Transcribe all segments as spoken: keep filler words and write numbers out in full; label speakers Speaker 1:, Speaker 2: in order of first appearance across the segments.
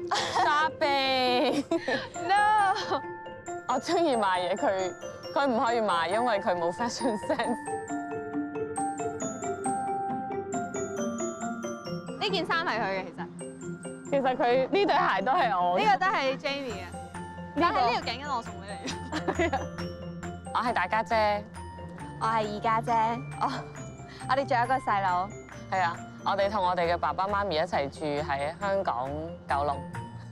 Speaker 1: Shopping
Speaker 2: No，
Speaker 1: 我中意買嘢，佢佢唔可以買，因為佢冇 fashion sense。
Speaker 2: 呢件衫係佢嘅，其實
Speaker 1: 其實佢呢對鞋都係我嘅。
Speaker 2: 呢個都係 Jamie 嘅，但係呢條頸巾我送俾你。
Speaker 1: 我係大家姐，
Speaker 2: 我係二家姐，我我哋仲有一個細佬。
Speaker 1: 係啊，我哋同我哋嘅爸爸媽咪一齊住喺香港九龍。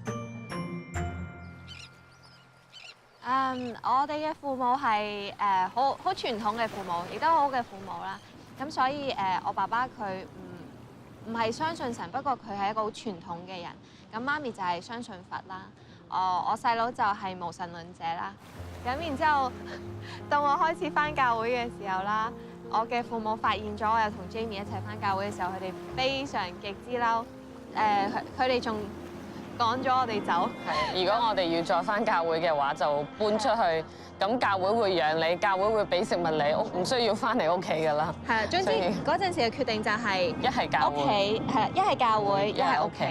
Speaker 2: 嗯，我哋嘅父母係誒好好傳統嘅父母，亦都好好嘅父母啦。咁所以誒，我爸爸佢唔唔係相信神，不過佢係一個好傳統嘅人。咁媽咪就係相信佛啦。我我細佬就係無神論者啦。咁然之後，到我開始返教會嘅時候啦，我嘅父母發現咗我有同 Jamie 一齊返教會嘅時候，佢哋非常極之嬲。誒，佢哋仲趕咗我哋走。
Speaker 1: 係，如果我哋要再返教會嘅話，就搬出去。咁教會會養你，教會會俾食物你，屋唔需要返嚟屋企㗎啦。
Speaker 2: 係啊，總之嗰陣時嘅決定就係
Speaker 1: 一係教會，
Speaker 2: 屋企係啦，一係教會，一係屋企。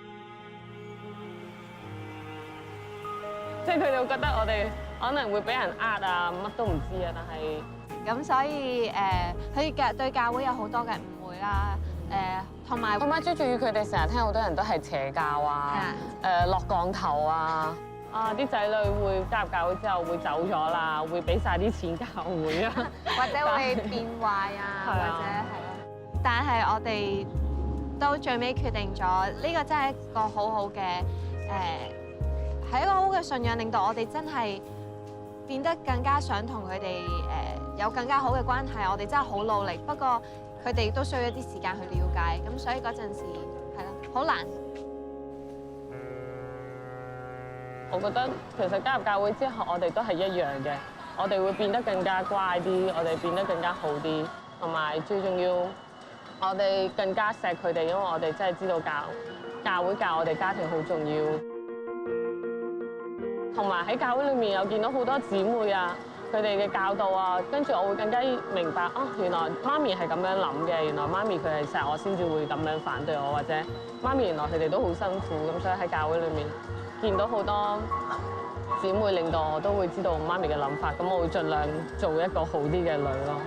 Speaker 1: 即係佢哋會覺得我哋可能會俾人呃啊，乜都唔知啊，但係
Speaker 2: 咁所以誒，佢嘅對教會有好多嘅誤會啦，誒同埋
Speaker 1: 同埋最重要，佢哋成日聽好多人都係邪教啊，誒落降頭啊，啊啲仔女會加入教會之後會走咗啦，會俾晒啲錢教會啊，
Speaker 2: 或者會變壞啊，或者係咯。但係我哋到最尾決定咗，呢個真係一個好好嘅誒。係一個好嘅信仰，令到我哋真係變得更加想同佢哋誒有更加好嘅關係。我哋真係好努力，不過佢哋都需要一啲時間去了解。咁所以嗰陣時係咯，好難。
Speaker 1: 我覺得其實加入教會之後，我哋都係一樣嘅。我哋會變得更加乖啲，我哋變得更加好啲，同埋最重要，我哋更加錫佢哋，因為我哋真係知道教教會教我哋家庭好重要。同埋喺教會裏面有見到好多姊妹啊，佢哋嘅教導啊，跟住我會更加明白啊，原來媽咪係咁樣諗嘅，原來媽咪佢係錫我先至會咁樣反對我，或者媽咪原來佢哋都好辛苦，咁所以喺教會裏面見到好多姊妹，令到我都會知道媽咪嘅諗法，咁我會盡量做一個好啲嘅女咯。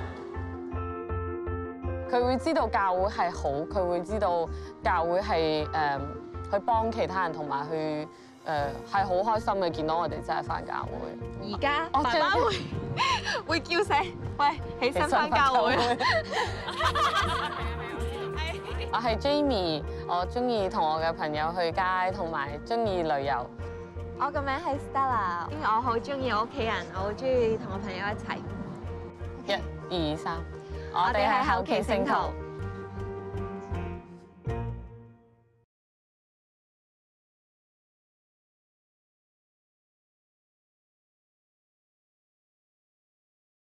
Speaker 1: 佢會知道教會係好，佢會知道教會係誒、呃、去幫其他人，同埋去。誒係好開心嘅，見到我哋真係返教會。
Speaker 2: 而家爸爸會會叫醒，喂，起身返教會。
Speaker 1: 我係 Jamie，我中意同我嘅朋友去街，同埋中意旅遊。
Speaker 2: 我個名係 Stella，因為我好中意我屋企人，我好中意同我朋友一齊。
Speaker 1: 一、二、三，
Speaker 2: 我哋係後期聖徒。